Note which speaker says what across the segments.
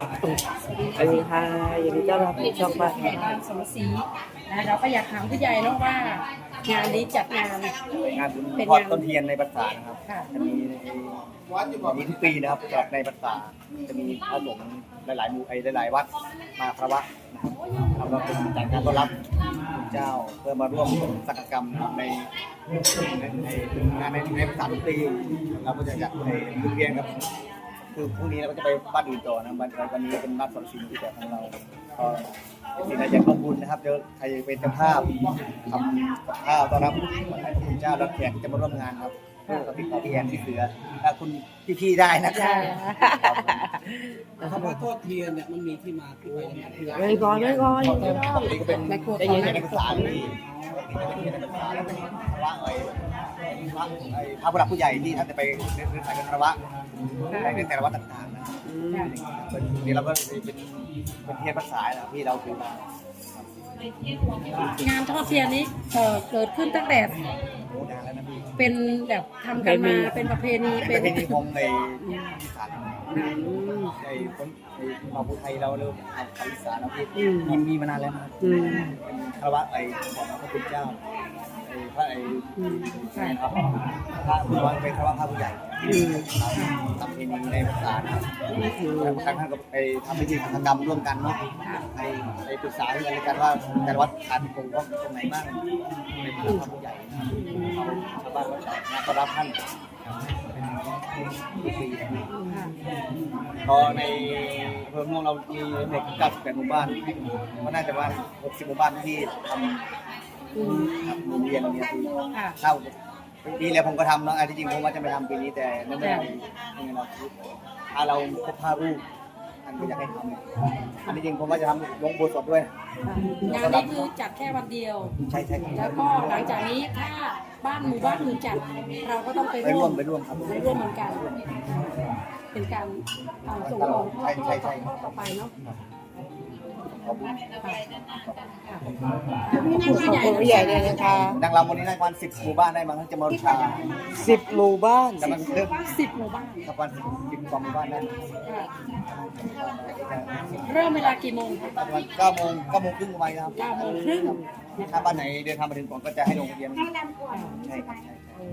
Speaker 1: สวัสดีค่ะยินดีต้อนรับสู่ช่องบ้าน
Speaker 2: สมศรีนะเราก็อยากถามผู้ใหญ่เนาะว่างานนี้จัดงาน
Speaker 3: งานบุญทอดต้นเทียนในพรรษานะครับ
Speaker 2: ค่ะ
Speaker 3: จะมีทุกปีนะครับสำหรับในพรรษาจะมีพระสงฆ์หลายๆหมู่หลายๆวัดมาพระวะนะครับเราเป็นจัดงานต้อนรับเจ้าเพื่อมาร่วมสักกรรมในงานในพรรษาทุกปีเราก็จะจัดในทุกเทียนครับคือพรุ่งนี้เราก็จะไปบ้านอื่นต่อนะวันนี้เป็นบ้านสอนชิมที่แต่ของเราก็สิ่งใดอยากขอบคุณนะครับเดี๋ยวใครเป็นเจ้าภาพทำกับข้าวต้อนรับให้พระคุณเจ้ารับแขกที่จะมาร่วมงานครับก็ติดต่อพี่แอนที่เสือถ้าคุณพี่ๆได้นะครับ
Speaker 4: คำว่าโทษเทียนเนี่ยมันมีที่มาที่ไปยังไงที่
Speaker 1: ไม่ก่อน
Speaker 3: นี่ก็เป็น
Speaker 2: ในครัว
Speaker 3: ได้ยินในภาษาที่พระพระผู้หลักผู้ใหญ่ที่ท่านจะไปเดินสายกันพระวะในแต่ละวัดต่างๆนะนี่เราก็เป็นเทียนภาษาที่เราถือมาง
Speaker 2: านทอดเทียนนี้เกิดขึ้นตั้งแต่
Speaker 3: โอ้นานแล้วนะพี่
Speaker 2: เป็นแบบทำกันมาเป็นประเพณี
Speaker 3: เป็
Speaker 2: เป็น น
Speaker 3: พิธีพงในอีสานในคนในมาภูไทยเราเริ่มทำภาษาอีสานแล้วพี่มีมานานแล้วนะเป็นคารวะของพระคุณเจ้าพระใช่ครับพระผู้ว่าเป็นคารวะพระผู้ใหญ่ทำพิธีในภาษาท่านก็ไปทำพิธีทางกรรมร่วมกันเนาะในปรึกษาเรื่องกันว่าแต่วัดขาดตรงตรงไหนบ้างในพระผู้ใหญ่ชาวบ้านก็รับท่านพอในอำเภอม่วงเรามีเด็ก98หมู่บ้านก็น่าจะว่า60หมู่บ้านที่ทำโรงเรียนเนี่ยที่เข้าปีแล้วผมก็ทำเนาะที่จริงผมว่าจะไปทำปีนี้แต่นั่นไม่ได้เราถ้าเราครบ5รูปท่านก็อยากให้ทำอันนี้จริงผมว่าจะทำลงโบสถ์ด้วย
Speaker 2: งานนี้คือจัดแค่วันเดียว
Speaker 3: ใช่
Speaker 2: แล้วก็หลังจากนี้ถ้าหมู่บ้านอื่นจัดเราก็ต้องไป
Speaker 3: ไปร่
Speaker 2: ร่
Speaker 3: ว
Speaker 2: ว
Speaker 3: ม
Speaker 2: ม
Speaker 3: ไปร่วมครับ
Speaker 2: ไปร่วมเหมือนกัน เป็นการส่งของต่อไปเนาะ
Speaker 3: ขอบคุณ
Speaker 1: ขอบคุณผู้ใหญ่เลยนะคะ
Speaker 3: ดังเราวันนี้ได้ประมาณ10หมู่บ้านได้มั้งจะมาบูชา
Speaker 1: 10 หมู่บ้าน
Speaker 3: แต่มันเริ่ม
Speaker 2: 10 หมู่บ้าน
Speaker 3: ประมาณ10กว่าหมู่บ้านได้
Speaker 2: เริ่มเวลากี่โมงคะ
Speaker 3: ประมาณ9 โมงครึ่งไปครับ
Speaker 2: 9 โมงครึ่ง
Speaker 3: ถ้าบ้านไหนเดินทางมาถึงก่อนก็จะให้ลงทะเบียนใช่ครับ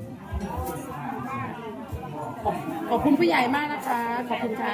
Speaker 2: ขอบคุณผู้ใหญ่มากนะคะ ขอบคุณค่ะ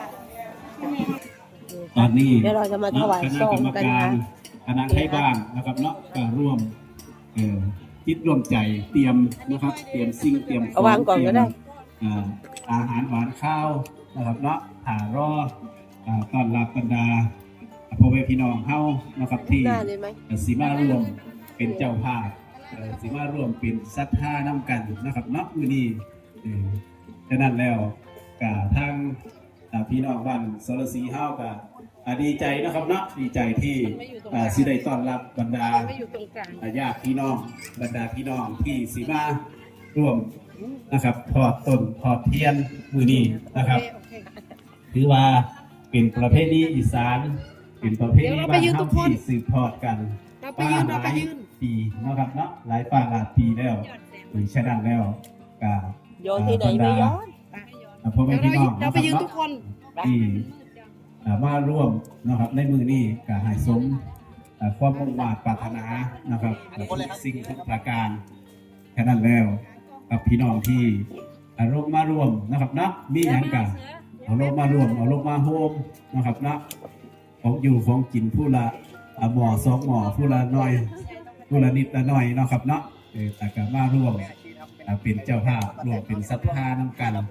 Speaker 5: ตอนนี้
Speaker 1: เดี๋ยวเราจะมาถวายซองกันนะ
Speaker 5: คณะไทยบ้านนะครับเนาะก็ร่วมคิดร่วมใจเตรียมนะครับเตรียมสิ่งเตรียม
Speaker 1: เอาวางก่อนก็ได้
Speaker 5: อาหารหวานข้าวนะครับเนาะรอต้อนรับบรรดาพ่อแม่พี่น้องเฮานะครับที่
Speaker 1: หน้าเลยไหม
Speaker 5: สีมาร่วมเป็นเจ้าภาพสีมาร่วมเป็นศรัทธาน้ำกันนะครับเนาะมื้อนี้ฉะนั้นแล้วก็ทางพี่น้องบ้านสรศรีเฮาก็ดีใจนะครับเนาะดีใจที่สิได้ต้อนรับบรรดาญาติพี่น้องบรรดาพี่น้องที่สีมาร่วมนะครับทอดต้นทอดเทียนมื้อนี้นะครับถือว่าเป็นประเพณีอีสานเป็นประเพณีบ้านเฮาที่สืบทอดกันมาหลายปีนะครับเนาะหลายหลายปีแล้วฉะนั้นแล้วก็
Speaker 1: โยนที่ไหนไม่ย้อน
Speaker 5: พ่อแม่พี่น้องนะครับเนาะที่มาร่วมนะครับในมือนี้ก็ให้สมความมุ่งมั่นปรารถนานะครับสิ่งทุกประการแค่นั้นแล้วกับพี่น้องที่ลงมาร่วมนะครับนะมีอย่างกันเอาลงมาร่วมเอาลงมาโฮมนะครับนะของอยู่ของกินผู้ละหม้อ2 หม้อผู้ละน้อยผู้ละนิดละน้อยนะครับเนาะแต่ก็มาร่วมเป็นเจ้าภาพร่วมเป็นศรัทธานำกัน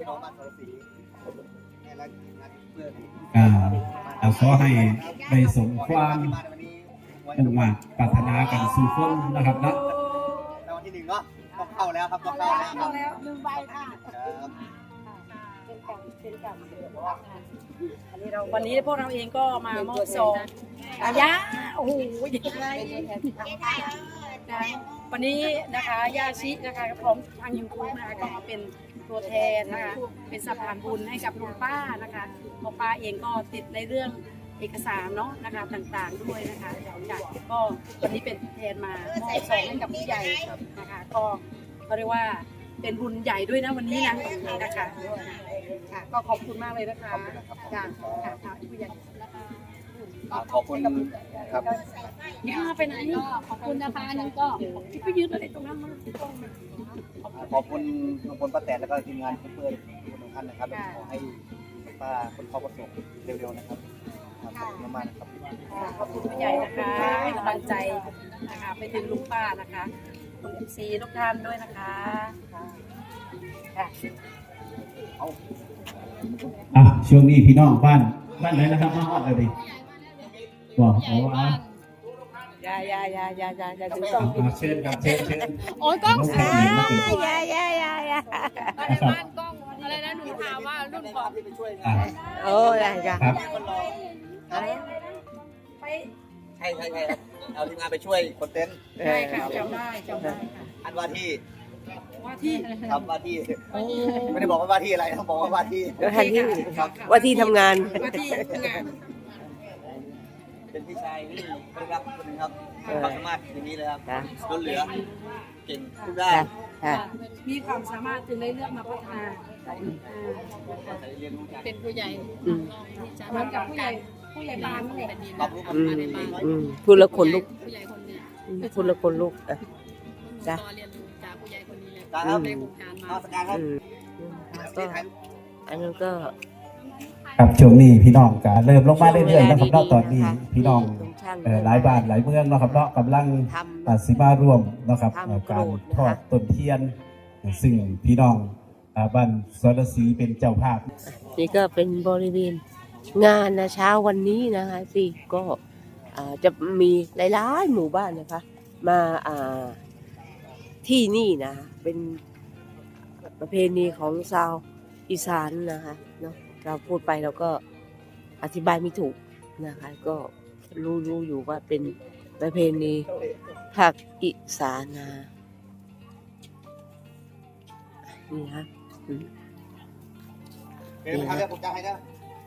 Speaker 5: ขอให้ได้สมความมุ่งมั่นปรารถนากันสู่คนนะครับเนาะ
Speaker 3: รางวัลที่1เนาะต้องเข้าแล้วครับต้องเข้าแล้ว
Speaker 2: 1 ใบค่ะวันนี้พวกเราเองก็มามอบซองย่าโอ้โหวันนี้นะคะย่าชินะคะพร้อมทางยูทูบนะคะก็มาเป็นตัวแทนนะคะเป็นสะพานบุญให้กับลุงป้านะคะลุงป้าเองก็ติดในเรื่องเอกสารเนาะนะคะต่างๆด้วยนะคะจากก็วันนี้เป็นตัวแทนมามอบซองให้กับผู้ใหญ่นะคะก็เขาเรียกว่าเป็นบุญใหญ่ด้วยนะวันนี้นะนะคะค่ะก็ขอบคุณมากเลยนะคะจ้าค่ะผู้ใหญ่
Speaker 3: ขอบคุณครับ
Speaker 2: ย่าไปไหนขอบคุณนะคะนั่นก็ไปยืนอะไรตรงนั้นมัน
Speaker 3: ขอบคุณลุงพลป้าแตนแล้วก็ทีมงานเพื่อนๆทุกท่านนะครับขอให้ป้าคนเขาประสบเร็วๆนะครับขอบคุณมากๆนะครับ
Speaker 2: ขอบคุณผู้ใหญ่นะคะให้กำลังใจนะคะไปถึงลุงป้านะคะคุณMCทุกท่านด้วยนะคะค่ะ
Speaker 5: ช่วงนี้พี่น้องบ้านไหนนะครับมาฮอดเลยดิบอกเอาว่า
Speaker 1: อย่าถึงต้อง
Speaker 5: เชิญครับเชิญ
Speaker 1: โอ้ยกล้อง
Speaker 5: น้องแพนมาเป็น
Speaker 1: อย่า
Speaker 5: นะครับ
Speaker 1: อะไรนะหนูถามว่ารุ่นก่อน
Speaker 5: อ่ะ
Speaker 1: โอ้ยอย่า
Speaker 5: ครับ
Speaker 2: ไป
Speaker 3: ใช่เอาทีมงานไปช่วยคนเต้น
Speaker 2: ใช่ค่ะจำได้ค่ะ
Speaker 3: อันว่าที่
Speaker 2: ว่าที่
Speaker 3: ครับว่าที่ไม่ได้บอกว่าที่อะไรต้องบอกว่าว่าที่
Speaker 1: ทันที่ว่าที่ทำงาน
Speaker 2: ว่าที่งาน
Speaker 3: เป็นพี่ชายที่ได้รับคนนึงครับความสามารถอย่างนี้เลยครับล้นเหลือเก่งทุกด้าน
Speaker 2: มีความสามารถจึงได้เลือกมาพัฒนา
Speaker 3: เรียนรู้จาก
Speaker 2: เป็นผู้ใหญ่
Speaker 1: อืม
Speaker 2: เหมือนกับผู้ใหญ่บ้านเลย
Speaker 3: รับรู้กับ
Speaker 1: พูดละคนลุก
Speaker 2: ผู้ใหญ่คนนี้
Speaker 1: พูดละคนลุกจ้ะ
Speaker 2: ต่อเรียนรู้จากผู้ใหญ่คนนี้เลย
Speaker 3: การครับ
Speaker 2: ในวงการมา
Speaker 3: มาสการครับ
Speaker 1: ก็อันนั้นก็
Speaker 5: ครับช่วงนี้พี่น้องก็เริ่มลงมาเรื่อยๆนะครับเนาะตอนนี้พี่น้องหลายบ้านหลายเมืองเนาะครับเนาะกำลัง
Speaker 1: ทำ
Speaker 5: สิมาร่วมนะครับ
Speaker 1: ทำ
Speaker 5: การ
Speaker 1: โกรธนะคะ
Speaker 5: ทอดต้นเทียน ซึ่งพี่น้องบ้านสรศรีเป็นเจ้าภาพ
Speaker 1: นี่ก็เป็นบริเวณงานนะเช้าวันนี้นะคะสิก็จะมีหลายๆหมู่บ้านนะคะ มาที่นี่นะเป็นประเพณีของชาวอีสานนะคะเนาะเราพูดไปเราก็อธิบายไม่ถูกนะคะ ก็รู้อยู่ว่าเป็นประเพณีภาคอีสานนะนี่ฮะ
Speaker 3: เดี๋ยวทำแล้วผมจะให้นะ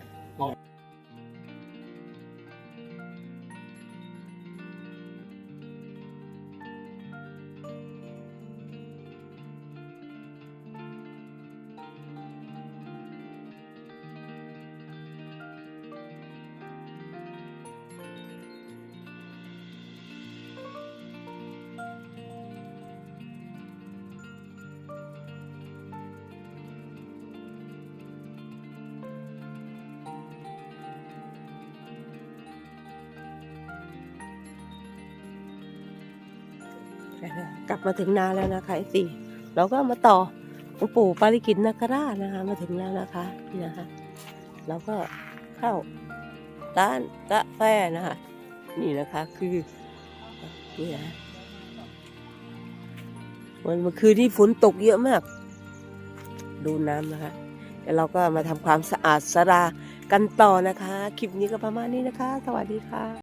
Speaker 1: กลับมาถึงนาแล้วนะคะสิเราก็มาต่อหลวงปู่ปาริกิตนาคราชนะคะ มาถึงแล้วนะคะนี่นะคะเราก็เข้าร้านกาแฟนะคะ นี่นะคะคือนี่นะเมื่อคืนที่ฝนตกเยอะมาก ดูน้ำนะคะแล้วเราก็มาทำความสะอาดศาลากันต่อนะคะ คลิปนี้ก็ประมาณนี้นะคะ สวัสดีค่ะ